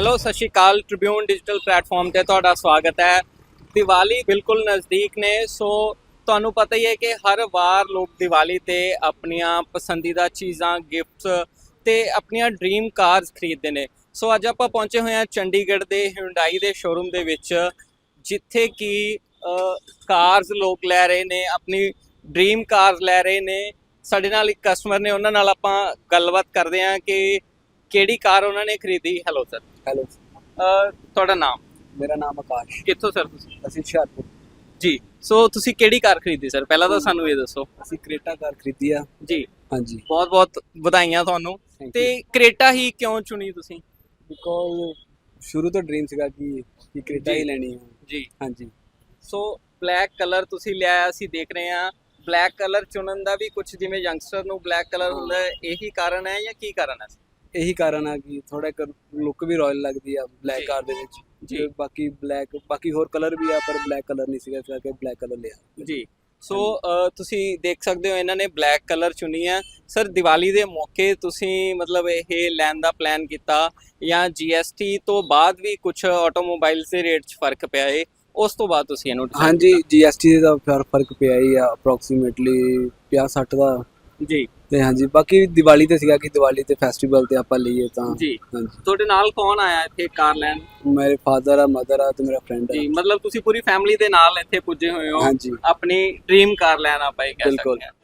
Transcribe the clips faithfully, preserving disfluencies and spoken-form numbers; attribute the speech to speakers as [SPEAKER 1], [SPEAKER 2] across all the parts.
[SPEAKER 1] Hello ਸਤਿ ਸ਼੍ਰੀ ਅਕਾਲ ਟ੍ਰਿਬਿਊਨ ਡਿਜੀਟਲ ਪਲੇਟਫਾਰਮ ਤੇ ਤੁਹਾਡਾ ਸਵਾਗਤ ਹੈ। ਦੀਵਾਲੀ ਬਿਲਕੁਲ ਨਜ਼ਦੀਕ ਨੇ, ਸੋ ਤੁਹਾਨੂੰ ਪਤਾ ਹੀ ਹੈ ਕਿ ਹਰ ਵਾਰ ਲੋਕ ਦੀਵਾਲੀ ਤੇ ਆਪਣੀਆਂ ਪਸੰਦੀਦਾ ਚੀਜ਼ਾਂ, ਗਿਫਟਸ ਤੇ ਆਪਣੀਆਂ ਡ੍ਰੀਮ ਕਾਰਸ ਖਰੀਦਦੇ ਨੇ। ਸੋ ਅੱਜ ਆਪਾਂ ਪਹੁੰਚੇ ਹੋਏ ਹਾਂ ਚੰਡੀਗੜ੍ਹ ਦੇ ਹਿਊਂਡਾਈ ਦੇ ਸ਼ੋਰੂਮ ਦੇ ਵਿੱਚ, ਜਿੱਥੇ ਕਿ ਕਾਰਸ ਲੋਕ ਲੈ ਰਹੇ ਨੇ, ਆਪਣੀ ਡ੍ਰੀਮ ਕਾਰਸ ਲੈ ਰਹੇ ਨੇ। ਸਾਡੇ ਨਾਲ ਇੱਕ ਕਸਟਮਰ ਨੇ, ਉਹਨਾਂ ਨਾਲ ਆਪਾਂ ਗੱਲਬਾਤ ਕਰਦੇ ਹਾਂ ਕਿ ਕਿਹੜੀ ਕਾਰ ਉਹਨਾਂ ਨੇ ਖਰੀਦੀ। Hello sir.
[SPEAKER 2] ਹੈਲੋ,
[SPEAKER 1] ਤੁਹਾਡਾ ਨਾਮ?
[SPEAKER 2] ਮੇਰਾ ਨਾਮ ਆਕਾਸ਼।
[SPEAKER 1] ਕਿੱਥੋਂ ਸਰ ਤੁਸੀਂ?
[SPEAKER 2] ਅਸੀਂ ਹੁਸ਼ਿਆਰਪੁਰ।
[SPEAKER 1] ਜੀ, ਸੋ ਤੁਸੀਂ ਕਿਹੜੀ ਕਾਰ ਖਰੀਦੀ ਸਰ? ਪਹਿਲਾਂ ਤਾਂ ਸਾਨੂੰ ਇਹ ਦੱਸੋ।
[SPEAKER 2] ਅਸੀਂ ਕ੍ਰੇਟਾ ਕਾਰ ਖਰੀਦੀ ਆ
[SPEAKER 1] ਜੀ,
[SPEAKER 2] ਹਾਂਜੀ।
[SPEAKER 1] ਬਹੁਤ ਬਹੁਤ ਵਧਾਈਆਂ ਤੁਹਾਨੂੰ। ਤੇ ਕ੍ਰੇਟਾ ਹੀ ਕਿਉਂ ਚੁਣੀ ਤੁਸੀਂ?
[SPEAKER 2] ਬਿਕੋਜ਼ ਸ਼ੁਰੂ ਤੋਂ ਡ੍ਰੀਮ ਸੀਗਾ ਕਿ ਕਿ ਕ੍ਰੇਟਾ ਹੀ ਲੈਣੀ ਹੈ
[SPEAKER 1] ਜੀ।
[SPEAKER 2] ਹਾਂਜੀ।
[SPEAKER 1] ਸੋ ਬਲੈਕ ਕਲਰ ਤੁਸੀਂ ਲਿਆ, ਅਸੀਂ ਦੇਖ ਰਹੇ ਹਾਂ। ਬਲੈਕ ਕਲਰ ਚੁਣਨ ਦਾ ਵੀ ਕੁਝ, ਜਿਵੇਂ ਯੰਗਸਟਰ ਨੂੰ ਬਲੈਕ ਕਲਰ ਹੁੰਦਾ, ਇਹੀ ਕਾਰਨ ਹੈ ਜਾਂ ਕੀ ਕਾਰਨ ਹੈ?
[SPEAKER 2] ਇਹੀ ਕਾਰਨ ਆ ਕਿ ਥੋੜਾ ਇੱਕ ਲੁੱਕ ਵੀ ਰਾਇਲ ਲੱਗਦੀ ਆ ਬਲੈਕ ਕਾਰ ਦੇ ਵਿੱਚ ਜੀ। ਬਾਕੀ ਬਲੈਕ ਬਾਕੀ ਹੋਰ ਕਲਰ ਵੀ ਆ, ਪਰ ਬਲੈਕ ਕਲਰ ਨਹੀਂ ਸੀਗਾ, ਇਸ ਕਰਕੇ ਬਲੈਕ ਕਲਰ ਲਿਆ ਜੀ।
[SPEAKER 1] ਸੋ ਤੁਸੀਂ ਦੇਖ ਸਕਦੇ ਹੋ, ਇਹਨਾਂ ਨੇ ਬਲੈਕ ਕਲਰ ਚੁਣੀ ਹੈ। ਸਰ, ਦੀਵਾਲੀ ਦੇ ਮੌਕੇ ਤੁਸੀਂ ਮਤਲਬ ਇਹ ਲੈਣ ਦਾ ਪਲਾਨ ਕੀਤਾ ਜਾਂ ਜੀਐਸਟੀ ਤੋਂ ਬਾਅਦ ਵੀ ਕੁਝ ਆਟੋਮੋਬਾਈਲਸ ਦੇ ਰੇਟ 'ਚ ਫਰਕ ਪਿਆ ਹੈ, ਉਸ ਤੋਂ ਬਾਅਦ ਤੁਸੀਂ ਇਹਨੂੰ?
[SPEAKER 2] ਹਾਂਜੀ, ਜੀਐਸਟੀ ਦਾ ਫਰਕ ਪਿਆ ਹੀ ਆ, ਅਪਰੋਕਸੀਮੇਟਲੀ ਪੰਜਾਹ ਸੱਠ ਦਾ
[SPEAKER 1] ਜੀ।
[SPEAKER 2] ਤੇ ਹਾਂਜੀ, ਬਾਕੀ ਦੀਵਾਲੀ ਤੇ ਸੀਗਾ ਕਿ ਦੀਵਾਲੀ ਤੇ ਫੈਸਟੀਵਲ ਤੇ ਆਪਾਂ ਲਈਏ ਤਾਂ
[SPEAKER 1] ਜੀ।
[SPEAKER 2] ਹਾਂਜੀ।
[SPEAKER 1] ਤੁਹਾਡੇ ਨਾਲ ਕੌਣ ਆਇਆ ਇੱਥੇ ਕਾਰ ਲੈਣ?
[SPEAKER 2] ਮੇਰੇ ਫਾਦਰ ਆ, ਮਦਰ ਆ ਤੇ ਮੇਰਾ ਫਰੈਂਡ ਆ
[SPEAKER 1] ਜੀ। ਮਤਲਬ ਤੁਸੀਂ ਪੂਰੀ ਫੈਮਿਲੀ ਦੇ ਨਾਲ ਇੱਥੇ ਪੁੱਜੇ ਹੋਏ ਹੋ
[SPEAKER 2] ਹਾਂਜੀ,
[SPEAKER 1] ਆਪਣੀ ਡ੍ਰੀਮ ਕਾਰ ਲੈਣ, ਆਪਾਂ ਇਹ ਕਹਿ ਸਕਦੇ ਹਾਂ।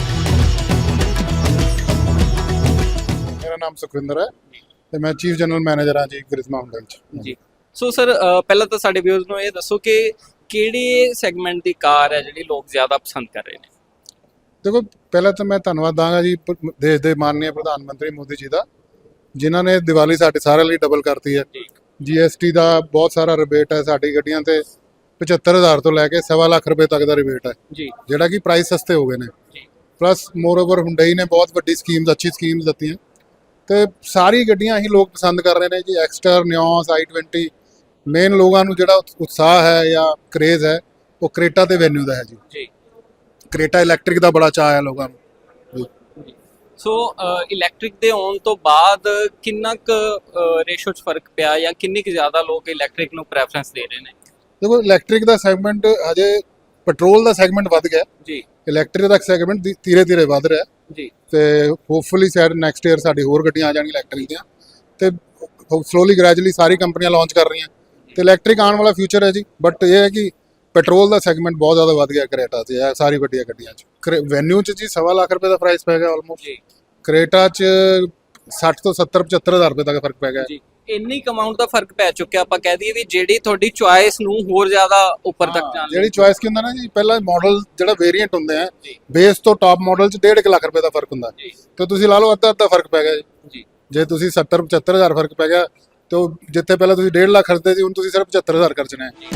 [SPEAKER 3] ਮੇਰਾ ਨਾਮ ਸੁਖਵਿੰਦਰ ਹੈ ਤੇ ਮੈਂ ਚੀਫ ਜਨਰਲ ਮੈਨੇਜਰ ਹਾਂ ਜੀ ਕ੍ਰਿਸ਼ਮਾ ਹੁੰਡਾਈ ਚ
[SPEAKER 1] ਜੀ। ਸੋ ਸਰ, ਪਹਿਲਾਂ ਤਾਂ ਸਾਡੇ ਵਿਊਅਰਸ ਨੂੰ ਇਹ ਦੱਸੋ ਕਿ ਕਿਹੜੀ ਸੈਗਮੈਂਟ ਦੀ ਕਾਰ ਹੈ ਜਿਹੜੀ ਲੋਕ ਜ਼ਿਆਦਾ ਪਸੰਦ ਕਰ ਰਹੇ ਨੇ?
[SPEAKER 3] ਦੇਖੋ, ਪਹਿਲਾਂ ਤਾਂ ਮੈਂ ਧੰਨਵਾਦ ਦਾਂਗਾ ਜੀ ਦੇਸ਼ ਦੇ ਮਾਨਨੀय ਪ੍ਰਧਾਨ ਮੰਤਰੀ ਮੋਦੀ ਜੀ ਦਾ, ਜਿਨ੍ਹਾਂ ਨੇ ਦੀਵਾਲੀ ਸਾਡੇ ਸਾਰਿਆਂ ਲਈ ਡਬਲ ਕਰਤੀ ਹੈ। ਜੀਐਸਟੀ ਦਾ ਬਹੁਤ ਸਾਰਾ ਰਿਬੇਟ ਹੈ ਸਾਡੀ ਗੱਡੀਆਂ ਤੇ, ਪਝੱਤਰ ਹਜ਼ਾਰ ਤੋਂ ਲੈ ਕੇ ਸਵਾ ਲੱਖ ਰੁਪਏ ਤੱਕ ਦਾ ਰਿਬੇਟ ਹੈ ਜੀ, ਜਿਹੜਾ ਕਿ ਪ੍ਰਾਈਸ ਸਸਤੇ ਹੋ ਗਏ ਨੇ। ਪਲੱਸ ਮੋਰ ਓਵਰ ਹੁੰਡਈ ਨੇ ਬਹੁਤ ਵੱਡੀ ਸਕੀਮਸ, ਅੱਛੀ ਸਕੀਮਸ ਦਿੱਤੀਆਂ ਤੇ ਸਾਰੀ ਗੱਡੀਆਂ ਹੀ ਲੋਕ ਪਸੰਦ ਕਰ ਰਹੇ ਨੇ ਜੀ। ਐਕਸਟਰ, ਨਿਓਸ, ਆਈ ਟਵੈਂਟੀ। ਮੇਨ ਲੋਕਾਂ ਨੂੰ ਜਿਹੜਾ ਉਤਸ਼ਾਹ ਹੈ ਜਾਂ ਕਰੇਜ਼ ਹੈ ਉਹ ਕ੍ਰੇਟਾ ਤੇ ਵੈਨਿਊ ਦਾ ਹੈ ਜੀ। ਕ੍ਰੇਟਾ ਇਲੈਕਟ੍ਰਿਕ ਦਾ ਬੜਾ ਚਾਅ ਹੈ ਲੋਕਾਂ ਨੂੰ।
[SPEAKER 1] ਸੋ ਇਲੈਕਟ੍ਰਿਕ ਦੇ ਆਉਣ ਤੋਂ ਬਾਅਦ ਕਿੰਨਾ ਕੁ ਰੇਸ਼ੋ 'ਚ ਫਰਕ ਪਿਆ ਜਾਂ ਕਿੰਨੀ ਕੁ ਜ਼ਿਆਦਾ ਲੋਕ ਇਲੈਕਟ੍ਰਿਕ ਨੂੰ ਪ੍ਰੈਫਰੈਂਸ ਦੇ ਰਹੇ ਨੇ?
[SPEAKER 3] ਦੇਖੋ, ਇਲੈਕਟ੍ਰਿਕ ਦਾ ਸੈਗਮੈਂਟ ਹਜੇ, ਪੈਟਰੋਲ ਦਾ ਸੈਗਮੈਂਟ ਵੱਧ ਗਿਆ ਜੀ, ਇਲੈਕਟ੍ਰਿਕ ਦਾ ਸੈਗਮੈਂਟ ਧੀਰੇ ਧੀਰੇ ਵੱਧ ਰਿਹਾ ਜੀ। ਤੇ ਹੋਪਫੁਲੀ ਸ਼ਾਇਦ ਨੈਕਸਟ ਈਅਰ ਸਾਡੀ ਹੋਰ ਗੱਡੀਆਂ ਆ ਜਾਣਗੀਆਂ ਇਲੈਕਟ੍ਰਿਕ ਦੀਆਂ, ਤੇ ਸਲੋਲੀ ਗ੍ਰੈਜੂਅਲੀ ਸਾਰੀ ਕੰਪਨੀਆਂ ਲਾਂਚ ਕਰ ਰਹੀਆਂ ਤੇ ਇਲੈਕਟ੍ਰਿਕ ਆਉਣ ਵਾਲਾ ਫਿਊਚਰ ਹੈ ਜੀ। ਬਟ ਇਹ ਹੈ ਕਿ ਪੈਟਰੋਲ ਦਾ ਸੈਗਮੈਂਟ ਬਹੁਤ ਜ਼ਿਆਦਾ ਵੱਧ ਗਿਆ ਕ੍ਰੇਟਾ 'ਚ, ਇਹ ਸਾਰੀ ਵੱਡੀਆਂ ਗੱਡੀਆਂ 'ਚ। ਵੈਨਿਊ 'ਚ ਜੀ ਸਵਾ ਲੱਖ ਰੁਪਏ ਦਾ ਪ੍ਰਾਈਸ ਪੈ ਗਿਆ ਆਲਮੋਸਟ ਜੀ। ਕ੍ਰੇਟਾ 'ਚ ਸੱਠ ਤੋਂ ਸੱਤਰ ਪਝੱਤਰ ਹਜ਼ਾਰ ਰੁਪਏ ਤੱਕ ਫਰਕ ਪੈ ਗਿਆ ਜੀ।
[SPEAKER 1] ਇੰਨੀ ਅਮਾਉਂਟ ਦਾ ਫਰਕ ਪੈ ਚੁੱਕਿਆ, ਆਪਾਂ ਕਹਿ ਦਈਏ ਵੀ ਜਿਹੜੀ ਤੁਹਾਡੀ ਚੁਆਇਸ ਨੂੰ ਹੋਰ ਜ਼ਿਆਦਾ ਉੱਪਰ ਤੱਕ ਜਾਣ ਲਈ।
[SPEAKER 3] ਜਿਹੜੀ ਚੁਆਇਸ ਕੀ ਹੁੰਦਾ ਨਾ ਜੀ, ਪਹਿਲਾਂ ਮਾਡਲ ਜਿਹੜਾ ਵੇਰੀਐਂਟ ਹੁੰਦੇ ਆ, ਬੇਸ ਤੋਂ ਟਾਪ ਮਾਡਲ 'ਚ ਡੇਢ ਲੱਖ ਰੁਪਏ ਦਾ ਫਰਕ ਹੁੰਦਾ ਤੇ ਤੁਸੀਂ ਲਾ ਲਓ ਅੱਧਾ ਅੱਧਾ ਫਰਕ ਪੈ ਗਿਆ ਜੀ। ਜੇ ਤੁਸੀਂ ਸੱਤਰ ਪਝੱਤਰ ਹਜ਼ਾਰ ਫਰਕ ਪੈ ਗਿਆ ਤੇ ਉਹ ਜਿੱਥੇ ਪਹਿਲਾਂ ਤੁਸੀਂ ਡੇਢ ਲੱਖ ਖਰਚਦੇ ਸੀ, ਹੁਣ ਤੁਸੀਂ ਸਿਰਫ ਪਝੱਤਰ ਹਜ਼ਾਰ ਖਰਚਣਾ ਹੈ।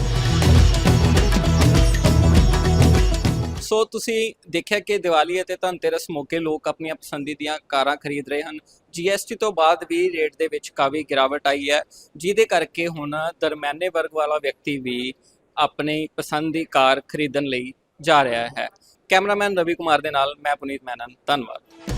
[SPEAKER 1] ਸੋ ਤੁਸੀਂ ਦੇਖਿਆ ਕਿ ਦੀਵਾਲੀ ਅਤੇ ਧਨਤੇਰਸ ਮੌਕੇ ਲੋਕ ਆਪਣੀਆਂ ਪਸੰਦੀਦੀਆਂ ਕਾਰਾਂ ਖਰੀਦ ਰਹੇ ਹਨ। ਜੀਐਸਟੀ ਤੋਂ ਬਾਅਦ ਵੀ ਰੇਟ ਦੇ ਵਿੱਚ ਕਾਫੀ ਗਿਰਾਵਟ ਆਈ ਹੈ, ਜਿਹਦੇ ਕਰਕੇ ਹੁਣ ਦਰਮਿਆਨੇ ਵਰਗ ਵਾਲਾ ਵਿਅਕਤੀ ਵੀ ਆਪਣੀ ਪਸੰਦ ਦੀ ਕਾਰ ਖਰੀਦਣ ਲਈ ਜਾ ਰਿਹਾ ਹੈ। ਕੈਮਰਾਮੈਨ ਰਵੀ ਕੁਮਾਰ ਦੇ ਨਾਲ ਮੈਂ ਪੁਨੀਤ ਮੈਨਨ, ਧੰਨਵਾਦ।